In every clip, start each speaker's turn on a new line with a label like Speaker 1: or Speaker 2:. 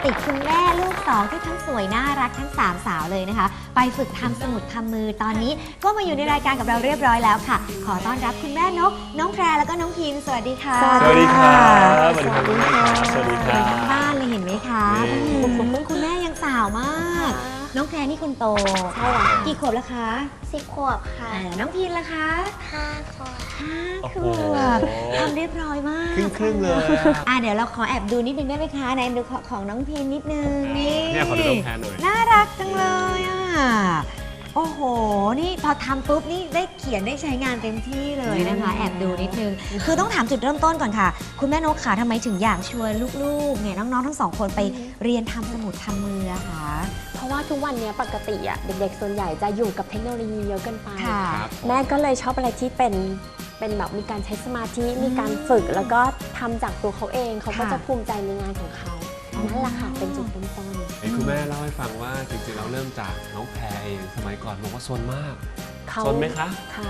Speaker 1: ติดคุณแม่ลูกสองที่ทั้งสวยน่ารักทั้ง3สาวเลยนะคะไปฝึกทำสมุดทำมือตอนนี้ก็มาอยู่ในรายการกับเราเรียบร้อยแล้วค่ะขอต้อนรับคุณแม่นกน้องแพรแล้วก็น้องพิมสวัสดีค่ะ
Speaker 2: สวัสดีครับสวัสดีครับคุณแม่ครับสวัสดีครั
Speaker 1: ทั้
Speaker 2: บ
Speaker 1: งบ้านเลยเห็นไหมคะคุณแม่ยังสาวมากน้องแพรนี่คนโตใช่ค่ะกี่ขวบแล้วคะ
Speaker 3: 10 ขวบค่ะ
Speaker 1: น้องพิมล่ะคะ
Speaker 3: 5 ขวบ
Speaker 1: 5 ขวบทำเรียบร้อยมาก
Speaker 2: ครึ่งเลย
Speaker 1: เดี๋ยวเราขอแอบดูนิดนึงได้ไหมคะในดูของน้องพิมนิดนึงนี่
Speaker 2: เนี่ยขอดูน้องแพรหน่อย
Speaker 1: น่ารักจังเลยอ่ะโอ้โหนี่พอทำปุ๊บนี่ได้เขียนได้ใช้งานเต็มที่เลยนะคะแอบดูนิดนึงคือต้องถามจุดเริ่มต้นก่อนค่ะคุณแม่นกขาทำไมถึงอยากชวนลูกๆเนี่ยน้องๆทั้งสองคนไปเรียนทำสมุดทำมืออะคะ
Speaker 4: เพราะว่าทุกวันนี้ปกติอะเด็กๆส่วนใหญ่จะอยู่กับเทคโนโลยีเยอะเกินไป
Speaker 1: ค่ะ
Speaker 4: แม่ก็เลยชอบอะไรที่เป็นแบบมีการใช้สมาธิมีการฝึกแล้วก็ทำจากตัวเขาเองเขาก็จะภูมิใจในงานของเขานั่นแหละค่ะเป็นจุดเริ่มต้น
Speaker 2: คุณแม่เล่าให้ฟังว่าจริงๆเราเริ่มจากน้องแพรเองสมัยก่อนบอกว่าซนมากซนไหมคะ
Speaker 4: ค่ะ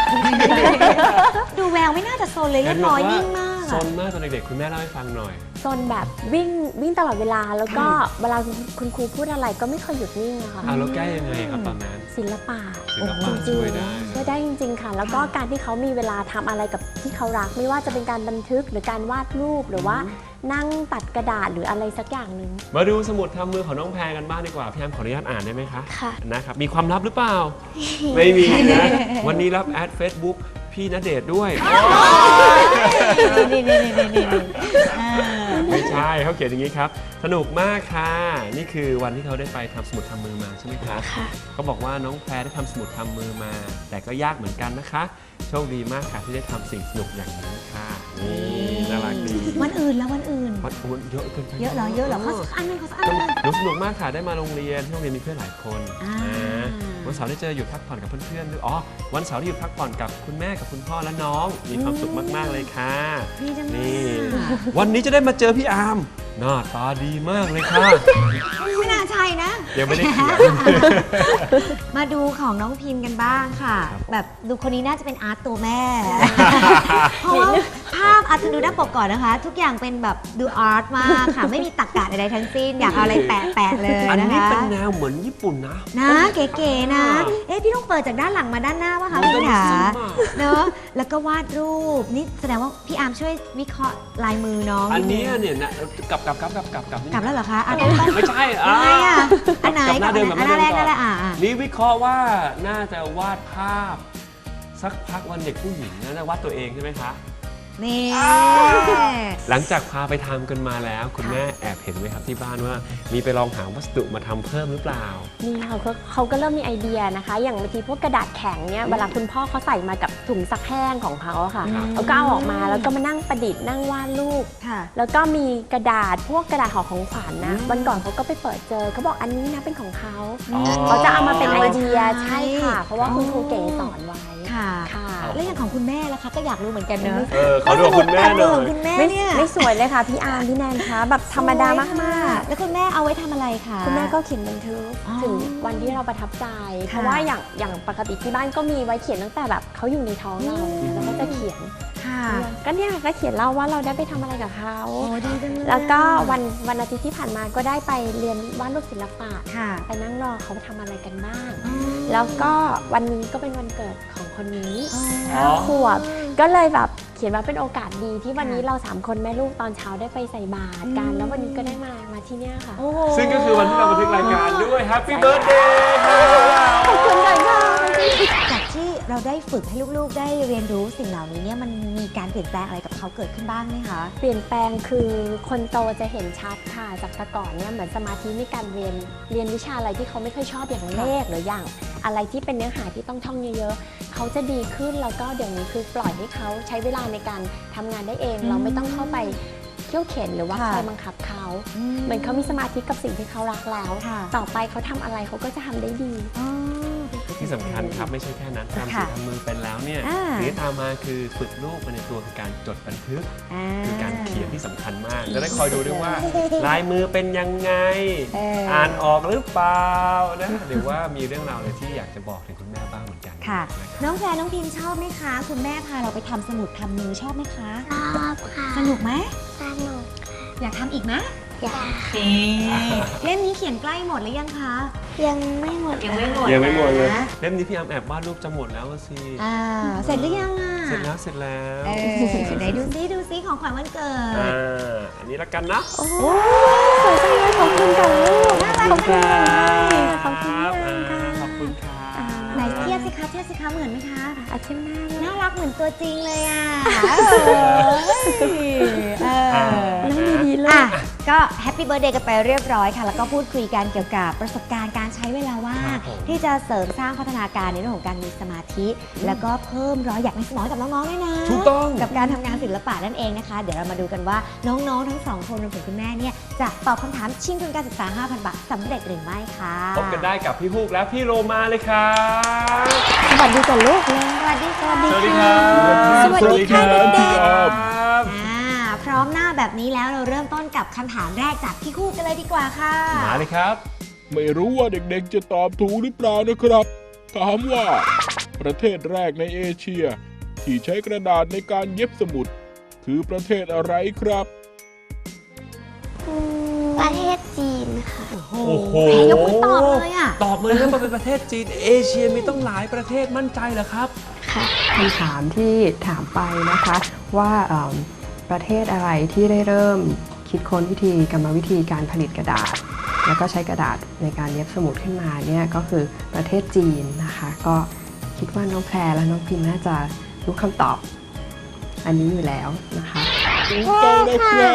Speaker 1: ดูแววไม่น่าจะโซนเลยเรียบร้อยนิ่งมาก
Speaker 2: ซนมากตอนเด็กๆคุณแม่เล่าให้ฟังหน่อย
Speaker 4: โซนแบบวิ่งตลอดเวลาแล้วก็เวลาคุณครูพูดอะไรก็ไม่เคยหยุดนิ่งอะค่ะ
Speaker 2: แล้วแก้ยังไงครับตอนนั้น
Speaker 4: ศิลปะ
Speaker 2: ศิลปะช่วยได้
Speaker 4: ช่วยได้จริงๆค่ะ แล้วก็การที่เขามีเวลาทำอะไรกับที่เขารัก ไม่ว่าจะเป็นการบันทึกหรือการวาดรูปหรือว่านั่งตัดกระดาษหรืออะไรสักอย่างหนึ่ง
Speaker 2: มาดูสมุดทำมือของน้องแพรกันบ้างดีกว่าพี่แอมขออนุญาตอ่านได้ไหมคะ
Speaker 3: ค่ะ
Speaker 2: นะครับมีความลับหรือเปล่า ไม่มีนะวันนี้รับแอด Facebook พี่ณเดชน์ด้วย
Speaker 1: นี่
Speaker 2: ไม่ใช่เขาเขียนอย่างนี้ครับสนุกมากค่ะนี่คือวันที่เขาได้ไปทำสมุดทำมือมาใช่ไหมคะเขาบอกว่าน้องแพรได้ทำสมุดทำมือมา แต่ก็ยากเหมือนกันนะคะโชคดีมากค่ะที่ได้ทำสิ่งสนุกอย่างนี้ค่ะนี่น่ารักดี
Speaker 1: วันอื่นแล้ววันอื่น
Speaker 2: มันเยอะเกินไป
Speaker 1: เยอะเหรอเขาสักอันนึงเขาสักอันนึง
Speaker 2: หนูสนุกมากค่ะได้มาโรงเรียนที่โรงเรียนมีเพื่อนหลายคน
Speaker 1: อ่า
Speaker 2: นะวันเสาร์ได้เจอหยุดพักผ่อนกับเพื่อนๆด้วยอ๋อวันเสาร์ที่หยุดพักผ่อนกับคุณแม่กับคุณพ่อและน้องมีความสุขมากๆเลยค่ะ
Speaker 1: ดีจังเล
Speaker 2: นี่
Speaker 1: ย
Speaker 2: วันนี้จะได้มาเจอพี่อาร์มหน้าตาดีมากเลยค่ะ
Speaker 1: ไม่น่าใช่นะ
Speaker 2: ยังไม่ได้เขียน
Speaker 1: มาดูของน้องพิมพ์กันบ้างค่ะ
Speaker 2: ครับ
Speaker 1: แบบดูคนนี้น่าจะเป็นอาร์ตตัวแม่ เพราะว่าภาพอาร์ตดูหน้าปกก่อนนะคะ ทุกอย่างเป็นแบบดูอาร์ตมากค่ะ ไม่มีตรรกะใดๆทั้งสิ้น อยากเอาอะไรแปะๆเลย
Speaker 2: อัน
Speaker 1: นะ
Speaker 2: นี้
Speaker 1: คะ
Speaker 2: เป็นแนวเหมือนญี่ปุ่นนะ
Speaker 1: นะเก๋ๆนะ พี่ต้องเปิดจากด้านหลังมาด้านหน้าป่ะคะพี่ขาเนอะแล้วก็วาดรูปนี่แสดงว่าพี่อาร์มช่วยวิเคราะห์ลายมือน้อง
Speaker 2: อันนี้เนี่ยนะกลับ
Speaker 1: กลับแล้วเหรอคะต้น
Speaker 2: ไม่ใช่
Speaker 1: อะไรอ่ะอันไหน
Speaker 2: กลับหน้าเดิม
Speaker 1: อันแรกนั่นแหละ
Speaker 2: นี่วิเคราะห์ว่าน่าจะวาดภาพ สักพักวันเด็กผู้หญิงน่าจะวาดตัวเองใช่ไหมคะ
Speaker 1: นี่
Speaker 2: หลังจากพาไปทำกันมาแล้วคุณแม่แอบเห็นไหมครับที่บ้านว่ามีไปลองหาวัสดุมาทำเพิ่มหรือเปล่า
Speaker 4: นี่ค่ะเขาก็เริ่มมีไอเดียนะคะ อย่างบางทีพวกกระดาษแข็งเนี่ยเวลาคุณพ่อเขาใส่มากับถุงซักแห้งของเขาอะค่ะ
Speaker 2: ครับ
Speaker 4: เขาก็เอาออกมาแล้วก็มานั่งประดิษฐ์นั่งวาดรูป
Speaker 1: ค่ะ
Speaker 4: แล้วก็มีกระดาษพวกกระดาษห่อของขวัญนะ
Speaker 1: อืม
Speaker 4: วันก่อนเขาก็ไปเปิดเจอเขาบอกอันนี้นะเป็นของเขา
Speaker 2: อ๋อ
Speaker 4: เขาจะเอามาเป็นไอเดีย
Speaker 1: ใช่
Speaker 4: ใช่ค่ะ เพราะว่าคุณครูเก๋สอนไว้
Speaker 1: ค่ะ
Speaker 4: ค่ะ
Speaker 1: แล้วอย่างของคุณแม่ล่ะคะก็อยากรู้เหมือนกันเนอะ
Speaker 2: ขอดูของคุณแม่หน่อย
Speaker 1: ของคุณแม่เนี่ย
Speaker 4: ไม่สวยเลยค่ะพี่อาร์มพี่แนนคะแบบธรรมดามาก
Speaker 1: แล้วคุณแม่เอาไว้ทำอะไรคะ
Speaker 4: ๆคุณแม่ก็เขียนบันทึก
Speaker 1: อ๋อ
Speaker 4: ถึงวันที่เราประทับใจ เพราะว่าอย่างปกติที่บ้านก็มีไว้เขียนตั้งแต่แบบเขาอยู่ในท้องเราแล้วก็จะเขียน
Speaker 1: ค่ะ
Speaker 4: ก็เนี่ยก็เขียนเล่าว่าเราได้ไปทำอะไรกับเขา
Speaker 1: โอ้ดีจังเลย
Speaker 4: แล้วก็วันอาทิตย์ที่ผ่านมาก็ได้ไปเรียนวาดรูปศิลปะ
Speaker 1: ค่ะ
Speaker 4: ไปนั่งรอเขาทำอะไรกันบ้าง
Speaker 1: อืม
Speaker 4: แล้วก็วันนี้ก็เป็นวันเกิดของคนนี้
Speaker 1: อ๋อ
Speaker 4: 5 ขวบก็เลยแบบเขียนว่าเป็นโอกาสดีที่วันนี้เรา3คนแม่ลูกตอนเช้าได้ไปใส่บาตรกัน แล้ววันนี้ก็ได้มาที่เนี่ยค่ะ
Speaker 1: โอ้โห
Speaker 2: ซึ่งก็คือวันที่เราบันทึกรายการด้วย Happy Birthday
Speaker 4: ขอบคุณค่ะ
Speaker 1: จากที่เราได้ฝึกให้ลูกๆ ได้เรียนรู้สิ่งเหล่านี้เนี่ยมันมีการเปลี่ยนแปลงอะไรกับเขาเกิดขึ้นบ้างไหมคะ
Speaker 4: เปลี่ยนแปลงคือคนโตจะเห็นชัดค่ะจากแต่ก่อนเนี่ยเหมือนสมาธิในการเรียนวิชาอะไรที่เขาไม่ค่อยชอบอย่างเลขหรืออย่างอะไรที่เป็นเนื้อหาที่ต้องท่องเยอะๆเขาจะดีขึ้นแล้วก็เดี๋ยวนี้คือปล่อยให้เขาใช้เวลาในการทำงานได้เอง เราไม่ต้องเข้าไปเขี่ยวเข็นหรือว่า
Speaker 1: ค่ะ
Speaker 4: คอยบังคับเขาเหมือนเขามีสมาธิกับสิ่งที่เขารักแล้ว
Speaker 1: ค่ะ
Speaker 4: ต่อไปเขาทำอะไรเขาก็จะทำได้ดี
Speaker 1: อ๋อ
Speaker 2: ที่สำคัญครับไม่ใช่แค่นั้นทำ
Speaker 1: ค่ะ
Speaker 2: สิ่งทำมือเป็นแล้วเนี่ย
Speaker 1: อ่า
Speaker 2: สิ่งที่ตามมาคือฝึกลูกไปในตัวคือการจดบันทึก คือการเขียนที่สำคัญมาก จะได้คอยดูด้วยว่า ลายมือเป็นยังไง อ่านออกหรือเปล่านะหรือว่ามีเรื่องราวอะไรที่อยากจะบอกถึงคุณแม่บ้างเหมือนกัน
Speaker 1: ค่ะ
Speaker 2: นะครับ
Speaker 1: น้องแพรน้องพิมชอบไหมคะ คุณแม่พาเราไปทำสมุดทำมือชอบไหมคะ
Speaker 3: ชอบค่ะ
Speaker 1: สนุกไหม
Speaker 3: สนุก
Speaker 1: อยากทำอีกไหม
Speaker 3: อยาก
Speaker 1: เล่มนี้เขียนใกล้หมดหรือยังคะ
Speaker 3: ยังไม่หมด
Speaker 1: ยังไม่หมด
Speaker 2: ยังไม่หมดเลย
Speaker 1: นะ
Speaker 2: เล่มนี้พี่อามแอบวาดรูปจะหมดแล้วสิ
Speaker 1: เสร็จหรือยังอ่ะ
Speaker 2: เสร็จแล้วเสร็จแล้ว
Speaker 1: ไหนดูซิของขวัญวันเกิด
Speaker 2: อันนี้ละกันนะ
Speaker 4: โอ้สวยจังเลยขอบคุณค่ะลูก
Speaker 1: น่ารัก
Speaker 4: ขอบคุณ
Speaker 2: ค
Speaker 4: ค่ะ
Speaker 2: รับ
Speaker 4: ขอบคุณค่ะ
Speaker 2: ขอบคุณค่ะ
Speaker 1: ไหนเทียบสิคะเหมือนไหมคะ
Speaker 4: อาชิมหน้าเลย
Speaker 1: น่ารักเหมือนตัวจริงเลยอ่ะ
Speaker 4: นั่งดีๆเลย
Speaker 1: อ่ะก็แฮปปี้เบิร์ดเดย์กันไปเรียบร้อยค่ะ แล้วก็พูดคุยกันเกี่ยวกับประสบการณ์การใช้เวลาว่างที่จะเสริมสร้างพัฒนาการในเรื่องของการมีสมาธิ แล้วก็เพิ่มรอยอยากในสมองให้กับน้องๆด้วยนะ
Speaker 2: ถูกต้อง
Speaker 1: กับการทำงานศิลปะนั่นเองนะคะ เดี๋ยวเรามาดูกันว่าน้องๆทั้งสองคนรวมถึงคุณแม่เนี่ยจะตอบคำถามชิงทุนการศึกษา 5,000 บาทสำเร็จหรือไม่ค่ะ
Speaker 2: พบกันได้กับพี่ฮูกและพี่โลมาเลยครับ
Speaker 4: สวัสดีก่อนลูกเลย
Speaker 1: สวัสดีค่ะ
Speaker 2: สวัสดีครับ
Speaker 4: สวัสดีค่ะเด็ก
Speaker 2: ครับ
Speaker 1: พร้อมหน้าแบบนี้แล้วเราเริ่มต้นกับคำถามแรกจากพี่คู่กันเลยดีกว่าค่ะ
Speaker 2: มาเลยครับ
Speaker 5: ไม่รู้ว่าเด็กๆจะตอบถูกหรือเปล่านะครับ ถามว่า ประเทศแรกในเอเชีย ที่ใช้กระดาษในการเย็บสมุด คือประเทศอะไรครับ
Speaker 3: ประเทศจีนค่ะ
Speaker 2: โอ้โห
Speaker 1: ยกมือตอบเลยอ่ะ
Speaker 2: ตอบเลยนะว่าเป็นประเทศจีน เอเชียมีต้องหลายประเทศมั่นใจเหรอครับ
Speaker 6: คำถามที่ถามไปนะคะว่าประเทศอะไรที่ได้เริ่มคิดค้นวิธีกรรมวิธีการผลิตกระดาษ แล้วก็ใช้กระดาษในการเย็บสมุดขึ้นมาเนี่ยก็คือประเทศจีนนะคะก็คิดว่าน้องแพรและน้องพิมน่าจะรู้คำตอบอันนี้อยู่แล้วนะคะ
Speaker 5: ถูกต้องนะครับ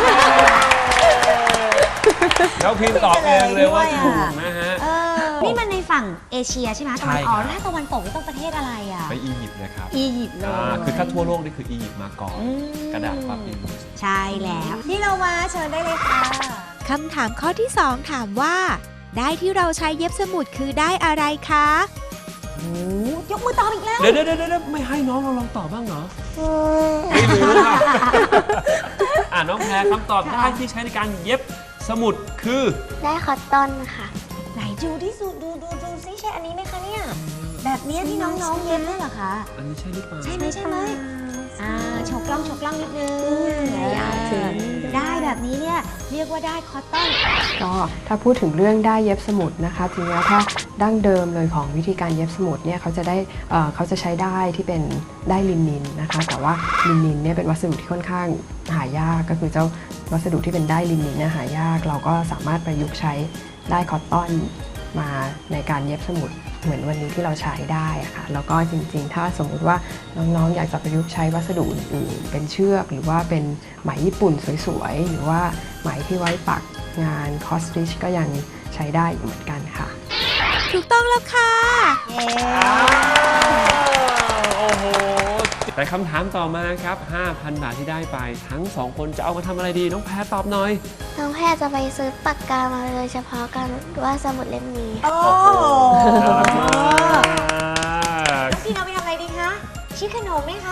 Speaker 2: แล้วพิมพ์ตอบเองเลยว่าถูกนะฮะ
Speaker 1: นี่มันในฝั่งเอเชียใช่ไหมตะวันออก
Speaker 2: ใช่ครับ
Speaker 1: แล้วถ้าตะวันตกนี่ต้องประเทศอะไรอ่ะ
Speaker 2: ไปอียิปต์นะครับ
Speaker 1: อียิปต์เลย
Speaker 2: คือถ้าทั่วโลกนี่คืออียิปต์มาก่อน
Speaker 1: อืม
Speaker 2: กระดาษปาปิรุส
Speaker 1: ใช่แล้วที่เรามาเชิญได้เลยค่ะ
Speaker 7: คำถามข้อที่ 2 ถามว่า ได้ที่เราใช้เย็บสมุดคือได้อะไรคะ
Speaker 1: ยกมือตอบอีกแล้ว
Speaker 2: เดี๋ยวไม่ให้น้องเราลองตอบบ้างเหรอ ไม่รู้ค่ะน้องแพรคำตอบได้ที่ใช้ในการเย็บสมุดคือ
Speaker 3: ได้คอตตอนค่ะ
Speaker 1: ไหนดูที่สุดดูซิใช่อันนี้ไหมคะเนี่ย แบบเนี้ยที่น้องๆเย็บด้วยเหรอคะ
Speaker 2: อันนี้ใช่หรือเปล่า
Speaker 1: ใช่ไหมโชว์กล้องนิดนึง
Speaker 4: ถึง
Speaker 1: ได้แบบนี้เนี่ยเรียกว่าได้คอตตอน
Speaker 6: ก็ถ้าพูดถึงเรื่องได้เย็บสมุดนะคะจริงๆแล้วถ้าดั้งเดิมเลยของวิธีการเย็บสมุดเนี่ยเขาจะใช้ได้ที่เป็นได้ลินินนะคะแต่ว่าลินินเนี่ยเป็นวัสดุที่ค่อนข้างหายากก็คือเจ้าวัสดุที่เป็นได้ลินินเนี่ยหายากเราก็สามารถประยุกต์ใช้ได้คอตตอนมาในการเย็บสมุดเหมือนวันนี้ที่เราใช้ได้อะค่ะแล้วก็จริงๆถ้าสมมุติว่าน้องๆอยากจะประยุกต์ใช้วัสดุอื่นๆเป็นเชือกหรือว่าเป็นไหมญี่ปุ่นสวยๆหรือว่าไหมที่ไว้ปักงานคอสติชก็ยังใช้ได้อยู่เหมือนกันค่ะ
Speaker 7: ถูกต้องแล้วค่ะ
Speaker 2: โอ้โห แต่คำถามต่อมาครับ 5,000 บาทที่ได้ไปทั้ง 2 คนจะเอามาทำอะไรดี น้องแพรตอบหน่อย
Speaker 3: น้องแพรจะไปซื้อปากกามาโดยเฉพาะการว่าดสมุดเล่มนี้
Speaker 1: โอ้
Speaker 2: น่ารักมาก
Speaker 1: พี่เอาไปทำอะไรดีคะชิคขนมไหมคะ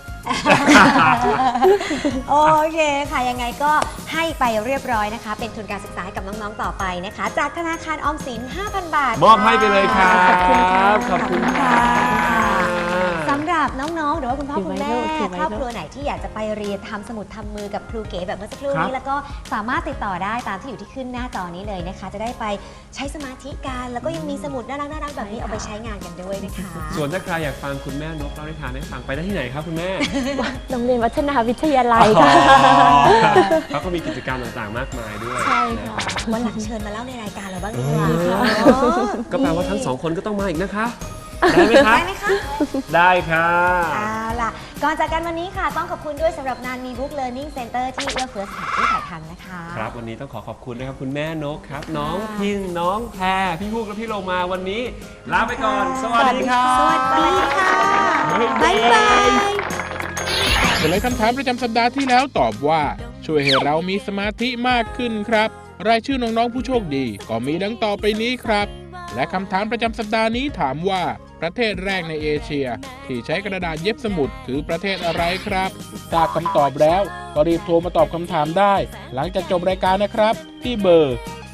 Speaker 1: โอเคค่ะยังไงก็ให้ไปเรียบร้อยนะคะ เป็นทุนการศึกษาให้กับน้องๆต่อไปนะคะ จากธนาคารออมสิน 5,000 บาท
Speaker 2: มอบให้ไปเลยครับ
Speaker 1: ขอบคุณค่ะ
Speaker 2: ขอบคุณค่ะ
Speaker 1: สำหรับน้องๆหรือว่าคุณพ่อคุณแม่
Speaker 4: ถือไว้
Speaker 1: ครอบครัวไหนที่อยากจะไปเรียนทำสมุดทำมือกับครูเก๋แบบเมื่อสักครู่นี้แล้วก็สามารถติดต่อได้ตามที่อยู่ที่ขึ้นหน้าจอนี้เลยนะคะ จะได้ไปใช้สมาธิกันแล้วก็ยังมีสมุดน่ารักๆแบบนี้เอาไปใช้งานกันด้วยนะคะ
Speaker 2: ส่วนถ้าใครอยากฟังคุณแม่นกเล่านิทานให้ฟังไปได้ที่ไหนครับคุณแม่
Speaker 4: โรงเรียนวัฒนาวิทยาลัยค่ะ
Speaker 2: เขาก็มีกิจกรรมต่างๆมากมายด้วย
Speaker 4: ใช่ค่ะ
Speaker 2: นรับ
Speaker 1: วันหลังเชิญมาเล่าในรายการเราบ้างดีกว่า
Speaker 2: ก็แปลว่าทั้ง 2 คนก็ต้องมาอีกนะคะ ได้ไหมคะ
Speaker 1: ได้ไหมคะ
Speaker 2: ได้ค่ะ
Speaker 1: เอาล่ะ ก่อนจากกันวันนี้ค่ะ ต้องขอบคุณด้วยสำหรับนานมีบุ๊กเลิร์นนิ่งเซ็นเตอร์ที่เอื้อเฟื้อสถานที่ถ่ายทำนะคะ
Speaker 2: ครับวันนี้ต้องขอบคุณนะครับคุณแม่นกครับ น้องพินน้องแพรพี่ฮูกและพี่โลมาวันนี้ลาไปก่อน สวัสดีครับ
Speaker 1: สวัสดีค่ะ
Speaker 7: บ๊ายบาย
Speaker 5: เฉลยคำถามประจำสัปดาห์ที่แล้วตอบว่า ช่วยให้เรามีสมาธิมากขึ้นครับ รายชื่อน้องๆผู้โชคดีก็มีดังต่อไปนี้ครับ และคำถามประจำสัปดาห์นี้ถามว่าประเทศแรกในเอเชีย ที่ใช้กระดาษเย็บสมุดคือประเทศอะไรครับทราบคำตอบแล้วก็รีบโทรมาตอบคำถามได้ หลังจากจบรายการนะครับ ที่เบอร์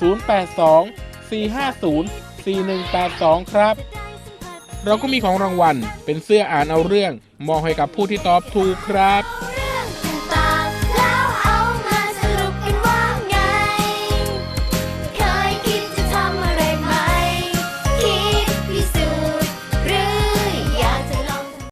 Speaker 5: 082-450-4182 ครับ เราก็มีของรางวัลเป็นเสื้ออ่านเอาเรื่องมอบให้กับผู้ที่ตอบถูกครับ